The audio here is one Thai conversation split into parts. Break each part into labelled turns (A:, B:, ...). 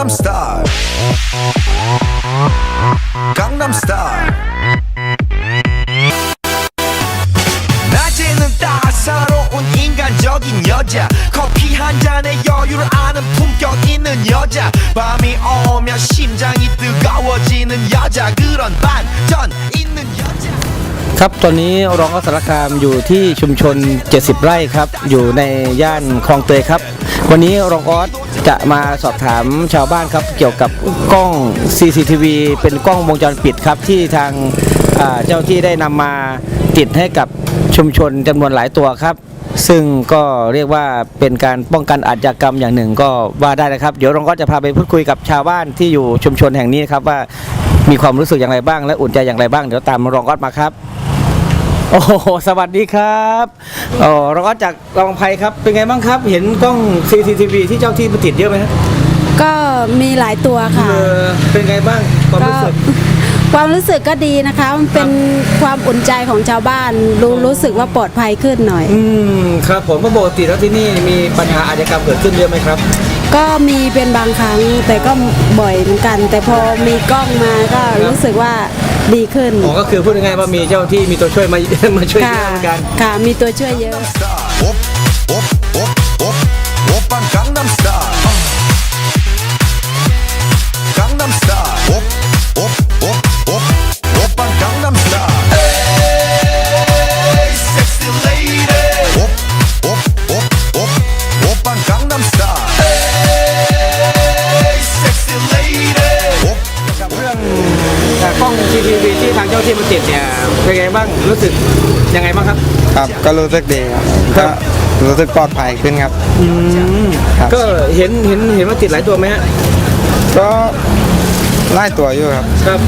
A: Gangnam Style Gangnam Style 낮에는 따사로운 인간적인 여자 커피 한 잔에 여유를 아는 품격 있는 여자 밤이 오면 심장이 뜨거워지는 여자 그런 반전 있는 여자
B: ครับตอนนี้รองอัสสารคามอยู่ที่ชุมชน70ไร่ครับอยู่ในย่านคลองเตยครับวันนี้รองออสจะมาสอบถามชาวบ้านครับเกี่ยวกับกล้อง CCTV เป็นกล้องวงจรปิดครับที่ทางเจ้าที่ได้นำมาติดให้กับชุมชนจำนวนหลายตัวครับซึ่งก็เรียกว่าเป็นการป้องกันอาชญากรรมอย่างหนึ่งก็ว่าได้นะครับเดี๋ยวรองออสจะพาไปพูดคุยกับชาวบ้านที่อยู่ชุมชนแห่งนี้ครับว่ามีความรู้สึกอย่างไรบ้างและอุ่นใจอย่างไรบ้างเดี๋ยวตามรองออสมาครับโอ้สวัสดีครับรองออสจากรองไพครับเป็นไงบ้างครับเห็นกล้อง CCTV ที่เจ้าที่มาติดเยอะไหมครับ
C: ก็มีหลายตัวค่ะ
B: เป็นไงบ้าง
C: ความรู้สึกก็ดีนะคะมันเป็นความอุ่นใจของชาวบ้านรู้สึกว่าปลอดภัยขึ้นหน่อย
B: ครับผมปกติแล้วที่นี่มีปัญหาอาชญากรรมเกิดขึ้นเยอะไหมครับ
C: ก็มีเป็นบางครั้งแต่ก็บ่อยเหมือนกันแต่พอมีกล้องมาก็รู้สึกว่าดีขึ้น
B: ก็คือพูดง่ายๆว่ามีเจ้าที่มีตัวช่วยมาช่วยเยอะเหมือนกัน
C: ค่ะมีตัวช่วยเยอะ
A: Gangnam Style Gangnam Style Gangnam Style Hey sexy lady Gangnam Style Hey sexy lady
B: เรื่องกล้อง CCTV ที่ทางเจ้าที่มาติดเนี่ยเป็นไงบ้างรู้สึกยังไงบ้างครับ
D: ครับก็รู้สึกดีครับก็รู้สึกปลอดภัยขึ้นครับ
B: ก็เห็นว่าติดหลายตัวไหมฮะ
D: ก็ไล่ตัวอยู่ครับ
B: ครับ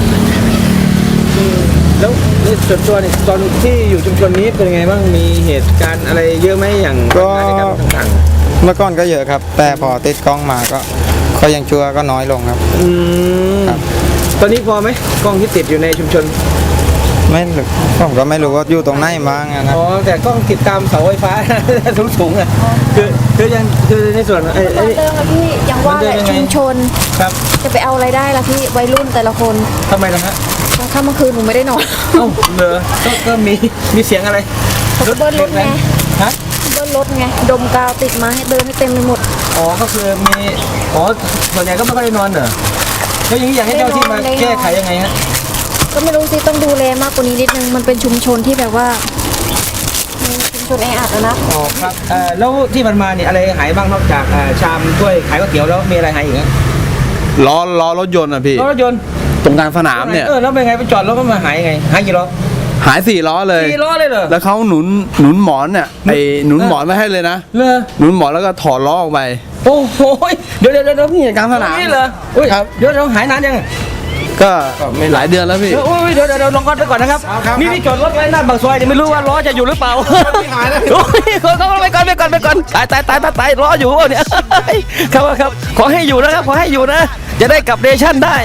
B: แล้วส่วนตัวเนี่ยตอนที่อยู่ชุมชนนี้เป็นยังไงบ้างมีเหตุการณ์อะไรเยอะไหมอย่าง
D: ก็เมื่อก่อนก็เยอะครับแต่พอติดกล้องมาก็ยังชั่วก็น้อยลงครับ
B: ตอนนี้พอไหมกล้องที่ติดอยู่ในชุมชน
D: ไม่ผมก็ไม่รู้ว่าอยู่ตรงไหนบ้างนะ
B: แต่กล้องติดตามเสาไฟฟ้าสูงๆอ่ะคือในส่วน
E: เรื่องละพี่ยังว่าแหละชุมชน
B: ครับ
E: จะไปเอาอะไรได้ล่ะพี่วัยรุ่นแต่ละคน
B: ทำไมล่ะฮะ
E: กลางค่ำกลางคืนหนูไม่ได้นอน
B: เหรอก็มีเสียงอะไร
E: รถเบิ้ลรถไง
B: ฮะ
E: เบิ้ลรถไงดมกาวติดมาให้เดินให้เต็มไปหมด
B: ก็คือมีส่วนใหญ่ก็ไม่ค่อยได้นอนเหรอแล้วอย่างนี้อยากให้เจ้าที่มาแก้ไขยังไงฮะ
E: ก็ไม่รู้สิต้องดูแลมากกว่านี้นิดนึงมันเป็นชุมชนที่แบบว่าชุมชนแออัดนะ
B: ครับแล้วที่มันมาเนี่ยอะไรหายบ้างนอกจากชามถ้วยขายก๋วยเตี๋ยวแล้วมีอะไรหายอีก
F: ล้อรถยนต์อ่ะพี่
B: ล้อรถยนต์
F: ตรงกลางสนามเนี่ย
B: แล้วเป็นไงไปจอดรถก็มาหายยังไงหายกี่ล้อ
F: หาย4 ล้อเลย
B: 4 ล้อเลยเหรอ
F: แล้วเขาหนุนหมอนเนี่ยหนุนหมอนไม่ให้เลยนะหนุนหมอนแล้วก็ถอดล้อออกไป
B: โอ้โหเดี๋ยว
F: พี่กลางสนาม
B: นี่เหรอครับเดี๋ยวหายนานยัง
F: ก็หลายเดือนแล้วพี่
B: เดี๋ยวลองก่อนไปก่อนนะครับนี่จอดรถไว้หน้าปากซอยเนี่ยไม่รู้ว่าล้อจะอยู่หรือเปล่า
F: หายแล้ว
B: ไปก่อนตายล้ออยู่เนี่ยครับขอให้อยู่นะครับขอให้อยู่นะจะได้กลับเนชั่นได้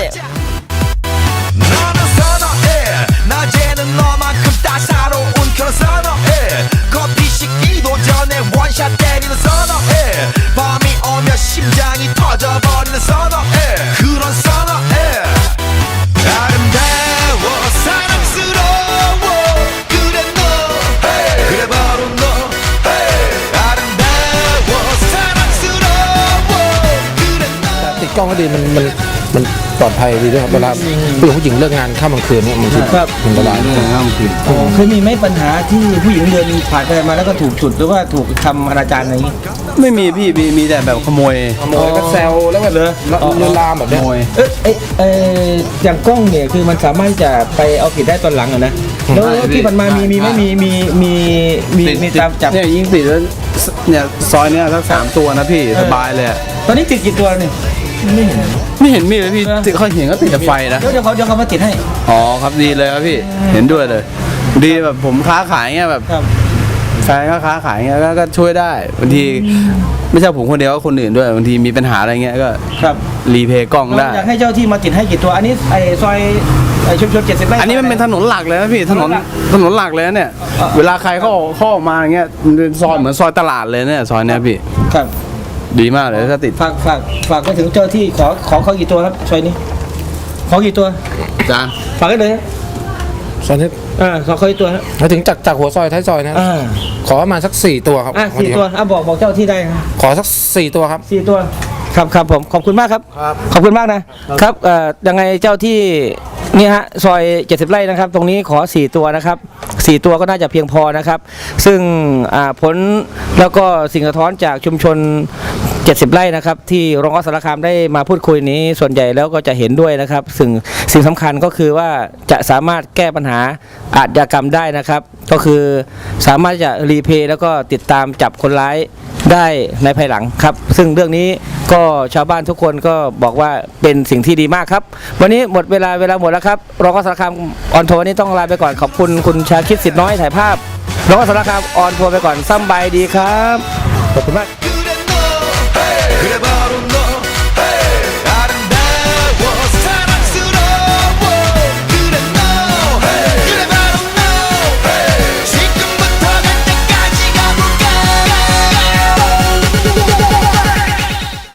G: กล้องก็ดีมันปลอดภัยดีด้วยครับเวลาผู้หญิงเลิกงานค่ำกลางคืนเนี่ยมันอันตราย
B: เคยมีไหมปัญหาที่ผู้หญิงเดินผ่านไปมาแล้วก็ถูกจุดหรือว่าถูกทำอนาจารอะไรอย่างนี้
F: ไม่มีพี่มีแต่แบบขโมย
G: ก็แซวแล้วก็เลยลามแบบนี้
B: อย่างกล้องเนี่ยคือมันสามารถจะไปเอาผิดได้ตอนหลังอ่ะนะแล้วที่มันมามีไม่มีตามจับ
F: เนี่ยยิงติดแล้วเนี่ยซอยเนี่ยสัก3 ตัวนะพี่สบายเลย
B: ตอนนี้ติดกี่ตัวนี่
F: ไม่เห็นมีเลยพี่เขาเห็นก็ติดแต่ไฟนะ
B: เดี๋ยวเขามาติดให้
F: ครับดีเลยครับพี่เห็นด้วยเลยดีแบบผมค้าขายเงี้ยแบบแฟนก็ค้าขายเงี้ยก็ช่วยได้บางทีไม่ใช่ผมคนเดียวก็คนอื่นด้วยบางทีมีปัญหาอะไรเงี้ยก็รีเพย์กล้องได้
B: อยากให้เจ้าที่มาติดให้กี่ตัวอันนี้ซอยชุมชน70 ไร่
F: อันนี้มันเป็นถนนหลักเลยนะพี่ถนนหลักเลยเนี่ยเวลาใครเข้าออกมาอย่างเงี้ยเป็นซอยเหมือนซอยตลาดเลยเนี่ยซอยเนี้ยพี่
B: ครับ
F: ดีมากเลยถ้าติด
B: ฝากไปถึงเจ้าที่ขอกี่ตัวครับซอยนี้ขอกี่ตัว
F: จาน
B: ฝากได้เลย
G: ซอยนี้
B: ขอกี่ตัวฮะ
G: มาถึงจากหัวซอยท้ายซอยนะขอประมาณสัก4ตัวครับ
B: 4 ตัวบอกเจ้าที่ได้ครับ
G: ขอสัก4ตัวครับ
B: 4 ตัวครับผมขอบคุณมากครับขอบคุณมากนะครับยังไงเจ้าที่นี่ฮะซอย70 ไร่นะครับตรงนี้ขอ4 ตัวนะครับ4 ตัวก็น่าจะเพียงพอนะครับซึ่งผลแล้วก็สิ่งสะท้อนจากชุมชน70 ไร่นะครับที่รองออสสารคามได้มาพูดคุยนี้ส่วนใหญ่แล้วก็จะเห็นด้วยนะครับสิ่งสำคัญก็คือว่าจะสามารถแก้ปัญหาอาชญากรรมได้นะครับก็คือสามารถจะรีเพย์แล้วก็ติดตามจับคนร้ายได้ในภายหลังครับซึ่งเรื่องนี้ก็ชาวบ้านทุกคนก็บอกว่าเป็นสิ่งที่ดีมากครับวันนี้หมดเวลาหมดแล้วครับรองออสสารคามออนทัวร์วันนี้ต้องลาไปก่อนขอบคุณคุณชาคิดสิทธิ์น้อยถ่ายภาพรองออสสารคามออนทัวร์ไปก่อนสบายดีครับขอบคุณมาก
A: 그래 봐